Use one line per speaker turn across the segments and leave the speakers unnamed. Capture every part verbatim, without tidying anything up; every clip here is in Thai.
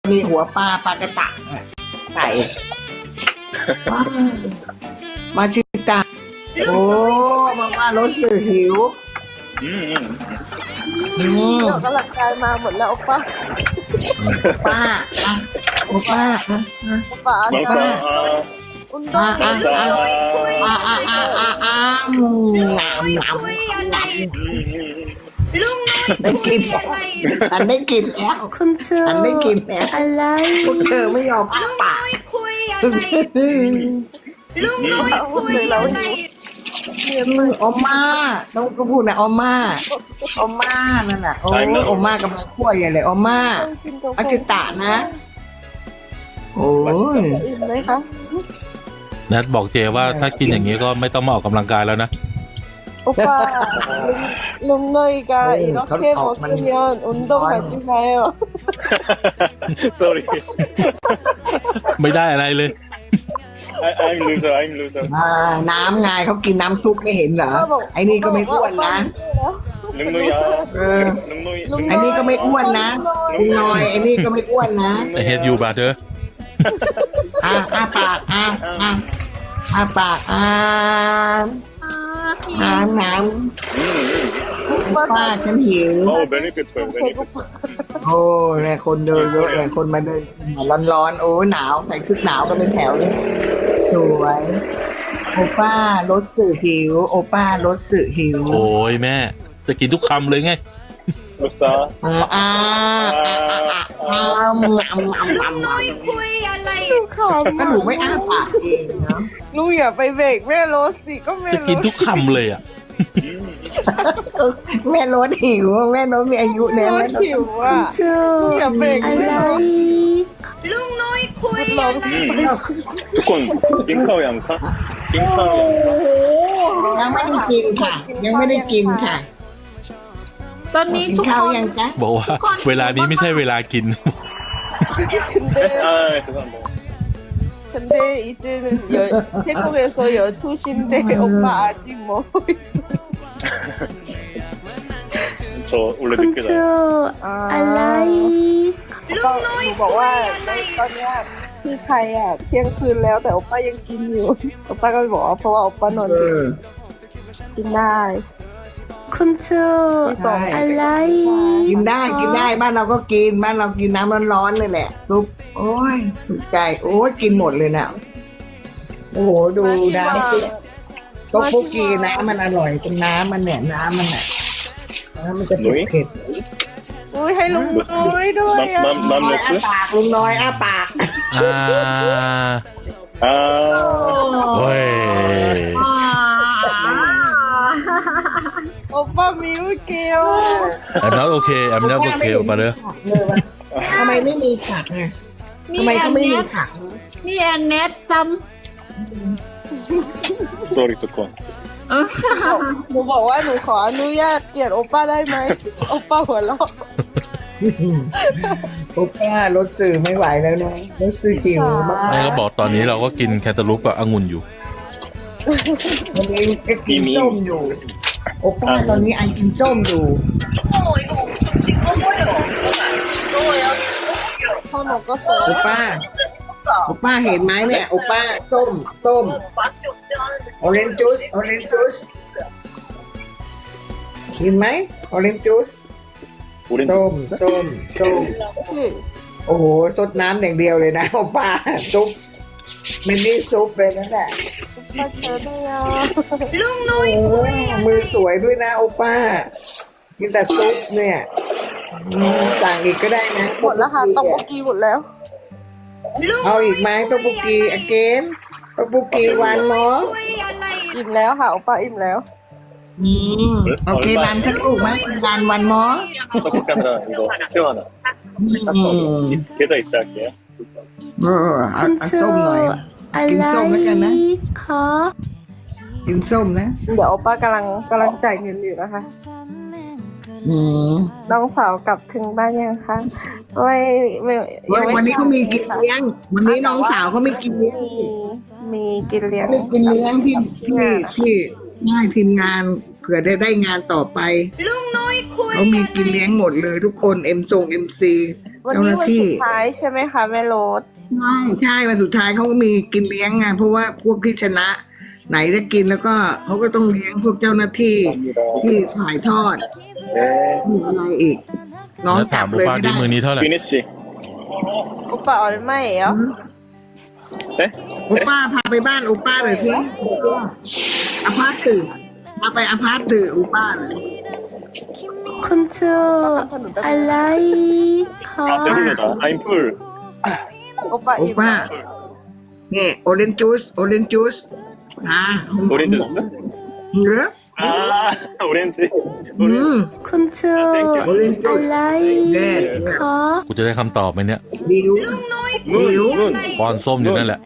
มีหัวปลาปลากระตะใส่มาชิตาโอ้มาม่ารถสื่อหิว
อืม
อืม
เดี๋ยวกำลังกายมาหมดแล้วป้า
ป้าอ่ะโอ้ป้าอ่ะอ่ะ
ป้าอัน
น้อง
นั้
ฟ้าน
อุนด
อ่ะ
ง
อ่ะ
จ้า
อ่ะอ่ะอ่ะอ่ะอ่ะอืมหนาวหนาวได้กินแล้วฉันได้กินแล้ว
คุณเจอ
ฉันได้กินแล้ว
อะไร
พวกเธอไม่ยอมอ้าปาก
ลุงน้อยคุยอะไร
ออมม่าต้องก็พูดนะออมม่าออมม่านั่นน่ะโอ้ออมม่ากำลังคั่วใหญ่เลยออมม่าอากิตะนะโอ้ย
อิ่มไหมคะ
นัดบอกเจว่าถ้ากินอย่างนี้ก็ไม่ต้องมาออกกำลังกายแล้วนะ
โอป้าลุงน้อยก็อีกแค่บอกเมียนอุนดง하지 마요
sorry
ไม่ได้อะไรเลย
I, I'm loser I'm loser
อ่าน้ำไงเขากินน้ำซุปไม่เห็นเหรอไอ้นี่ก็ไม่อ้วนนะ
능누이야
เออ
능누이
ไอ้นี่ก็ไม่อ้วนนะคุณน้อยไอ้นี่ก็ไม่อ้วนนะ
I hate you brother
อ่ะอ้าปากอ่ะอ่ะอ้าปากอ่ะน้ำน้ำป้าฉันหิว
oh benefit for benefit
โอ้ยคนเดินเยอะเลยคนมาเดินร้อนๆโอ้หนาวใส่ชุดหนาวกันเป็นแถวเลยสวยโอป้ารถสื่อหิวโอป้ารถสื่อหิว
โอ้ยแม่ จะกินทุกคำเลยไง
루사
อ่าอ่าอ่าอ่าอ่าอ่างำงำงำง
คุยอะไร
ขำ
ำก็หนูไม่อ้าปากเองเนาะ
ลุงอย่าไปเบรกแม่รถสิก็แม่
จะกินทุกคำเลยอ่ะ
แม่รถหิวแม่รถมีอายุแล้ว
ร
แม่
ถ
รถ
หิวอ่ะ
เจอ
อย่าเบรก
อะ
แม่
ไร
รถ
ลุงน้อยคุย
ล
อะ
อง
ไร
สิ
ทุกคนกินข้าวยังคะกินข้าวยังคะ
ยังไม่ได้กินค่ะ ยังไม่ได้กินค่ะ
ตอนนี้
กิน
ทุก
ข้าว
คน
ยังจ๊ะ
บอกว่า เวลานี้ไม่ใช่เวลากิน
근데
아 죄송합니다
근데 이제는 열, 태국에서 열두 시인데 오빠 아직 먹고 있어.
저 원래
คุณ
늦게
เจ
자요
ออะไร
오빠หนูบอกว่าตอนเนี้ยที่ไทยอ่ะเที่ยงคืนแล้วแต่โอป้ายังกินอยู่โอป้าก็เลยบอกว่าเพราะว่าโอป้านอน
เอ
ดึก
อ
กินได้
คุณเจอ
ใช่
อะไร
กินได้กินได้บ้านเราก็กินบ้านเรากินน้ำร้อนๆเลยแหละซุปโอ้ยถูกใจโอ้ยกินหมดเลยนะโอ้โหดูน้ำซุปต๊อกโบกีน้ำมันอร่อยตรงน้ำมันเนี่ยน้ำมันอ่ะน้ำมันจะเผ็ด
อุ้ยให้ลุงน้อยด้วยอ่ะ
맘
ๆน้อยอ้า
맘
ปากลุงน้อยอ้าปาก
อ่า
아
โอ้ย
โอป้ามิวเกล
I'm not okay I'm not okay brother
ทำไมไม่มีผักไง
มี
ทำไม
แอ
เขา
น
ไม่
เน
มี
ท
ผัก
มีแอนเนทซ้
sorry ทุกคน
หนูบอกว่าหนูขออนุญาตเกลียดโอป้าได้ไหมโอป้าหัวเราะ
โอ้ป้ารถสื่อไม่ไหวแล้วนะรถสื่อหิวมาก
แม่ก็บอกตอนนี้เราก็กินแคนตาลูปกับองุ่นอยู่
วันนี้ก็กินส้มอยู่ โอ้ป้าตอนนี้ไอกินส้มอยู่
พ่อหนูก็เสิร์
โอ
ฟ
ป้าโอป้าเห็นไหมเนี่ยโอป้าส้มส้มออเรนจ์จูสออเรนจ์จูสเห็นไหมออเรนจ์จูส
오렌지
ส้มส้มส้ม
พี่
โอ้โหซดน้ำอย่างเดียวเลยนะโอป้าซุปมินนี่ซุปเลยนั่นแหละ
มาเจอได้ยัง
ลุงน้อย
โอ้ยมือสวยด้วยนะโอป้ากินแต่ซุปเนี่ยอืมสั่งอีกก็ได้นะ
หมดแล้วค่ะต้องโบกีหมดแล้ว
ลุง
เอาอีกไหมต๊อกโบกีอเกนต๊อกโบกีวันเนาะ
คุยอะไร
อิ่มแล้วค่ะโอป้าอิ่มแล้ว
อืมโอเควานสักลูกไหมวานวันมอ
떡볶이 하나 이거 새우 하나
อืม
계좌 입장할게요
เออ
ำ
เอา
คุณ
เอา
เจอ
ส้มหน่อย
อะ
กิน
ไร
ส้มแล้วกันนะ
คะ
กินส้มนะ
เดี๋ยวโอป้ากำลังกำลังจ่ายเงินอยู่นะคะ
อืม
น้องสาวกลับถึงบ้านยังคะไม่ไม่
เว้ยวันนี้เขามีกินเลี้ยง วันนี้น้องสาวเขาไม่กินเลี้ยง
มีมีกินเลี้ยง
ไม่กินเลี้ยงที่
กับ
ที่
งานอะ
ที่ง่ายทีมงานเผื่อได้ได้งานต่อไป
ลุงน้อยคุย
เขามีกินเลี้ยงหมดเลยทุกคนเอ็มทรงเอ็มซี
วันนี้วันสุดท้ายใช่ไหมคะแม่โรส
ใช่ใช่วันสุดท้ายเขาก็มีกินเลี้ยงไงเพราะว่าพวกที่ชนะ ไหนจะกินแล้วก็เขาก็ต้องเลี้ยงพวกเจ้าหน้าที่ที่ถ่ายทอด
네.
มีอะไรอีก น้อง
แล้ว
จั
ถา
บ
ม
เลย
โอป้า
ไม่
ดิ
ได้
มือนี้เท่าไหร่
피니쉬.
อุปาออลไม่เหรอ
네?
โอป้าพาไปบ้านโอป้าเลยสิอาพาร์ตตื่นพาไปอาพาร์ตตื่นโอป้าเลย
คุณชื่ออะไรคะ
아, 배불러다. I'm full.
โอปา
โอ
อิ่ม
ป้าเนี่ยโอเรนจูสโอเรนจูสอ่า
오렌지 주스?
เหรอ
아, 오렌지.
อืม
오렌지.
คุณชื่อ
Orange
อะ
juice
ไร
Yes
คะ
กูจะได้คำตอบไหมเนี่ย
ดิว
문,
이유?
문.
ป้อนส้มอยู่นั่นแหละ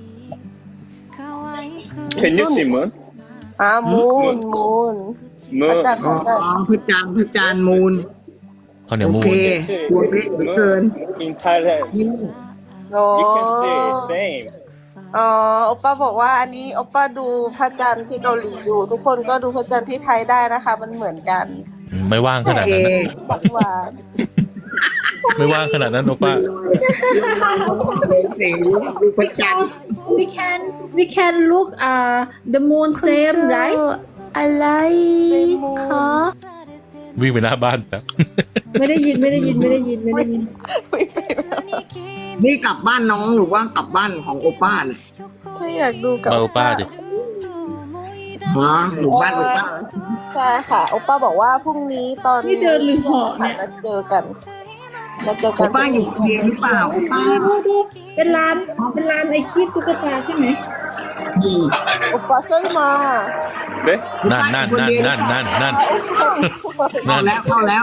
Can you see moon?
อ่ามูนมูนพระ
Moon.
จันทร์พ
อ๋อ
ระจันทร์
พระจันทร์พระจันทร์มูล
ข้าวเหนียว
โอ
มู
เคน ตัวเล็กเหลือเกิน
In Thailand,
โอ้
you can see same.
อ๋อโอป้าบอกว่าอันนี้โอป้าดูพระจันทร์ที่เกาหลีอยู่ ทุกคนก็ดูพระจันทร์ที่ไทยได้นะคะ มันเหมือนกัน
ไม่ว่างข
โอ
นาด
เค
นั้นนะ
บักหวาน
ไม่ว่างขนาดนั้นโอป้า
สีดูพระจันทร์
we can we can look uh the moon same right อะไรคะ
วิ่งไปหน้าบ้านแบบ
ไม่ได้ยินไม่ได้ยินไม่ได้ยินไม่ได้ยิน
ไม่เป็นไร
นี่กลับบ้านน้องหรือว่ากลับบ้านของโอป้าเนี่ย
ไม่อยากดูกับ
มาโอป้าดิ
ฮะหรือบ้านโอป้า
ใช่ค่ะโอป้าบอกว่าพรุ่งนี้ตอน
นี่เดินหรือเหาะ
ค่ะ
เนี่ย
นัดเจอกันนัดเจอ
โอ
กัน
ป้าอยู่คนเดียวหรือเปล่าโอป้า
ดูดูเป็นร้านเป็นร้านไอคิดตุ๊กตาใช่ไหม
อืม
โอป้าเซิร์มา
네?
นั่นนั่นนั่นนั่นนั่นนั่น
เข้าแล้วเข้าแล้ว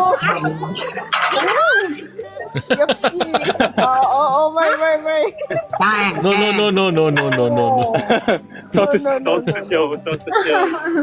ยับชีอ๋ออ๋ออ๋อไม่ไม่ไม่
ใช่
โนโนโนโนโนโนโนโนโน
저스,
No, no, no,
저스 쇼, 저스 쇼.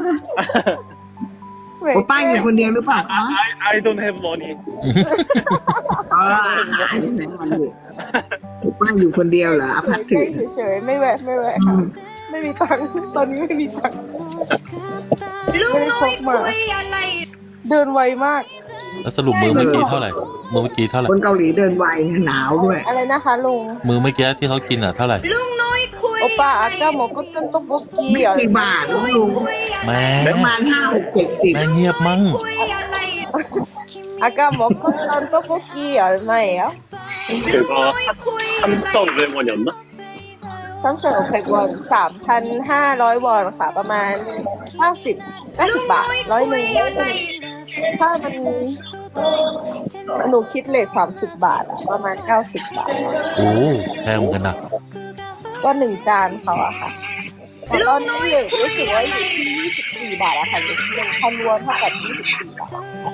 โอป้าอยู่คนเดียวหรือเปล่าคะ
I, I don't have money.
อ๋อหายไปไหนมันอยู่โอป้าอยู่คนเดียวเหรออภัทถึ
เฉยๆไม่แวะไม่แวะค่ะไม่มีตังค์ตอนนี้ไม่มีตังค์
ลุงน้อยคุยอะไร
เดินไวมาก
แล้วสรุปมือเมื่อกี้เท่าไหร่ มือเมื่อกี้เท่าไหร่
คนเกาหลีเดินไวหนาวด้วย
อะไรนะคะลุง
มือเมื่อกี้ที่เขากินอ่ะเท่าไหร่
ลุงน้อยคุย
โอป้าอาก้าหมอก็เป็นต๊อกโบกี้เหรอ
กี่บาทน้องลุง
แม่
ประมาณห้าหกเจ็ดสิบ
แม่เงียบมั้ง
คุยอะไร
อาก้าหมอก็เป็นต๊อกโบกี้เหรอไม่เหรอ
그거 삼천오백원이었나?
ตั้งแต่หกพันวอนสามพันห้าร้อยวอนค่ะประมาณเก้าสิบเก้าสิบบาทร้อยหนึ่งถ้ามันหนูคิดเลทสามสิบบาทอะประมาณเก้าสิบบาท
โอ้แพงเหมือนกันนะ
ก็หนึ่งจานเขาอะค่ะแต่ตอนนี้เลทรู้สึกว่าอยู่ที่ยี่สิบสี่บาทอะค่ะหนึ่งพันวอนเท่ากับยี่สิบสี่บาท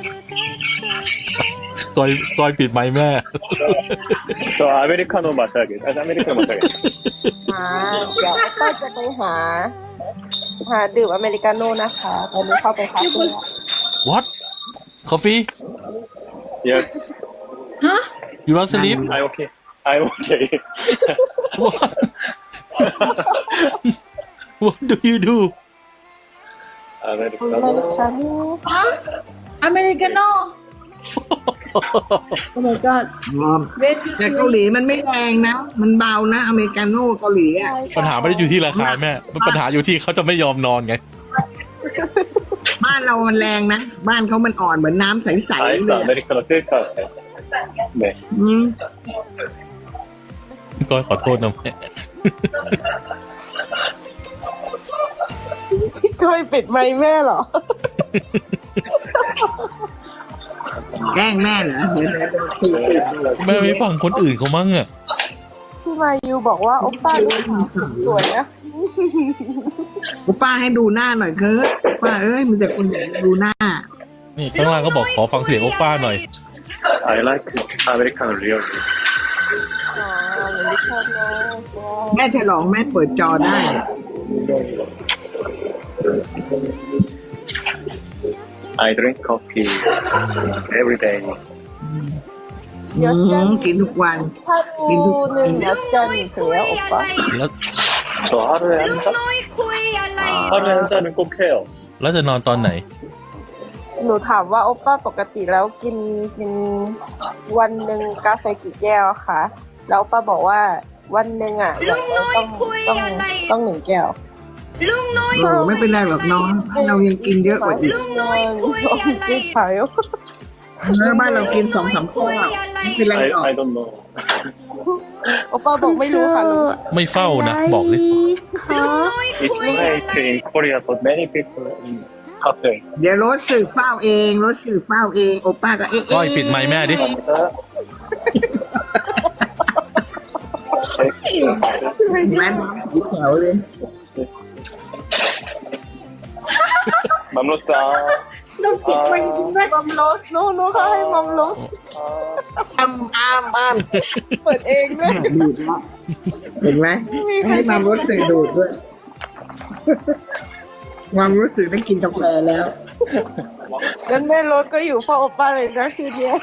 ซอยซอยปิดไหมค์แม่
저 아메리카노 마셔야겠다. 아, 아메리카노 마셔야겠다.
อ่าเดี๋ยวก็จะไปหา หาดื่มอเมริกาโน่นะคะตอนนี้เข้าไปคาเฟ่
what coffee
Yes,
ฮะ
you don't sleep
I'm okay. I'm okay.
what what do you do
อเมริ
아메리카노.
กาโน่
ฮะอเมริกาโน่ oh my god เวท
แต่เกาหลีมันไม่แรงนะ มันเบานะ อเมริกาโน่เกาหลีอ่ะ
ปัญหาไม่ได้อยู่ที่ราคาแม่ปัญหาอยู่ที่เขาจะไม่ยอมนอนไง
บ้านเรามันแรงนะ บ้านเขามันอ่อนเหมือนน้ำใสๆ
아이스
เลยอะ
아메리카노 셀카. 네.
อืม
ก็ขอโทษนะแม่
พี่ก้อยปิดไมค์แม่เหรอ
แกล้งแม่เหรอเดี๋ยวเดี๋ยวเดี๋ยวคุย
แม่ไม่ฟังคนอื่นเขามั่งอ่ะ
พี่มายูบอกว่าโอป้าลูกสาวสวยนะ
โอป้าให้ดูหน้าหน่อยเคิร์ตป้าเอ้ยมันจะคนดูหน้า
นี่ข้างล่างก็บอกขอฟังเสียงโอป้าหน่อย
I like 아메리카노 리얼.
อ๋อเหมือนที่ชอบนะ
แม่ฉลองแม่เปิดจอได้
I drink coffee every day.
เดี๋ยวจัน
อืมกินทุกวัน
ถ้าดูหนึ่งเดี๋ยวจันเสียโอป้า
แล้ว
저 하루에 한 잔?
노이คุยอะไร
하루에 한 잔은 꼭 해요.
แล้วจะนอนตอนไหน
네?
หนูถามว่าโอป้าปกติแล้วกินกินวันหนึ่งกาแฟกี่แก้วคะแล้วโอป้าบอกว่าวันหนึ่งอ่ะอย่างน้อยต้องต้องต้องหนึ่งแก้ว
ลุงน้อย
โอ้ไม่เป็นไรหรอกน้องเรายังกินเยอะกว่าอีก
ลุงน้อยคุยอะไร
จี้ชาย
เออบ้านเรากินสองสามข้อไม่เป็นไรหรอก
I, I don't know.
โอป้าบอกไม่รู้ค่ะลุง
ไม่เฝ้านะบอกดิ
It's late in Korea, but many people in cafe.
เดี๋ยวรถสื่อเฝ้าเองรถสื่อเฝ้าเองโอป้าก็เอ๊ะ
ก้อยปิดไมค์แม่ดิ
감사합니다.
แม่ยิ้มแถวเลย
맘로싸.
น้องปิดไว้จริงไหม
มัมโรสโน่โน่ค่ะให้มัมโรส
อ้ำอ้ำอ้ำ
เปิดเองด้วย
ดูดแล้วเห็นไหมให้ความรู้สึกดูดด้วยความรู้สึกได้กินกาแฟแล้ว
งั้นแม่รถก็อยู่เฝ้าโอป้าเลยนะคืนนี้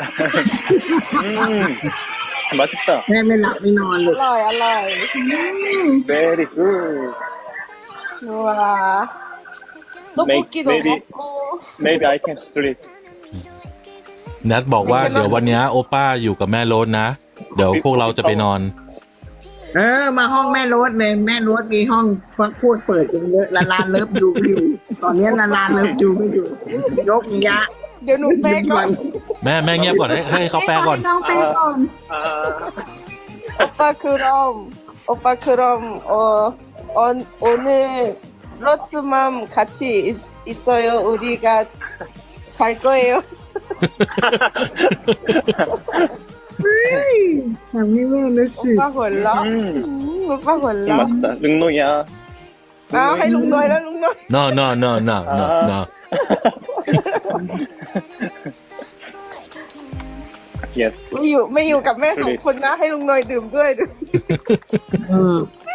음, 맛있다.
แม่ไม่หลับไม่นอนเล
อย ร่อยอร่อย
Very good.
ว้าตุ๊กปุกกี้ตุ๊ก
Maybe
กู
maybe I can sleep.
แนทบอกว่าเดี๋ยววันเนี้ยโอป้าอยู่กับแม่โรสนะ เดี๋ยวพวกเราจะไปนอน
เออ มาห้องแม่รถเลยแม่รถมีห้องฟักพูดเปิดกันเยอะละลานเลิฟยูอยู่ ตอนนี้ละลานเลิฟยูไม่อยู่ยกยะ
เดี๋ยวหนูเป๊กก่อน
แม่แม่เงียบก่อนให้ให้เขาแปลก่อน
น้องไปก่อน
โอป้าคือรอมโอป้าคือรอมเออโอนโอเน่รถสมัมคัตชิอิสโยอุริกาไทยก็เอว
ทำให้แม่รู้สึก
ป้าหัวเราะ
음,
โอป้าหัว
좀
เราะ
맛있다. 능노야.
อ้าวให้ลุงน้อยแล้วลุงน้อย
no no no no no no
Yes.
ไม่อยู่ไม่อยู่กับแม่สองคนนะ ให้ลุงน้อยดื่มด้วยดูสิ
อืม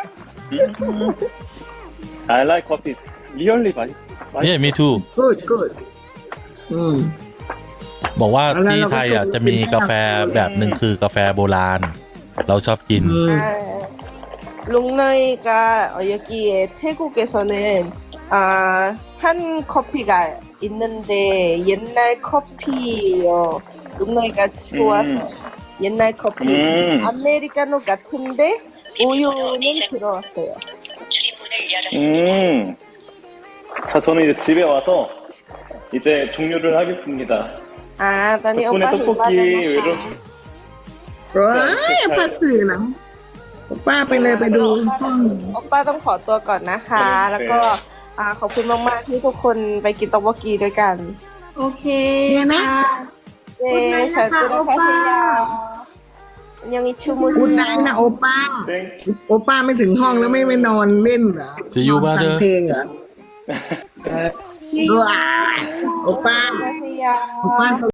I like coffee. Really 맛있.
เนี่ย
맛있.
me too
good good อืม
บอกว่า
แล้ว
ที่
เราก็
ไทยอ่ะ
ชม
จะมีกาแฟแบบหนึ่งคือกาแฟโบราณ เราชอบกิน
อืม
롱너이가 어, 여기에 태국에서는 아, 한 커피가 있는데 옛날 커피요. 롱너이가 좋아서
음.
옛날 커피
음.
아메리카노 같은데 우유는 들어왔어요.
음. 자, 저는 이제 집에 와서 이제 종료를 하겠습니다.
아, 나니
덕분에
오빠
떡볶이 이런
ร้ายภาษีหลังป้าไปเลยไปดูห้อง
โอป้าต้องขอตัวก่อนนะคะ แล้วก็อ่าขอบคุณมากๆที่ทุกคนไปกินต๊อกบกีด้วยกัน
โอเค
เนี่ยนะ
ค่ะ
เย้ฉันจะได้แค่พยายามยังมีชูมูส
คุณนายนะโอป้า
땡.
โอป้าไม่ถึงห้องแล้วไม่ไปนอนเล่นเหรอ
จะอยู่บ้านเด้อ
ฟังเพลงเหรอว้ายโอป้า
안녕하세요.
โอป้า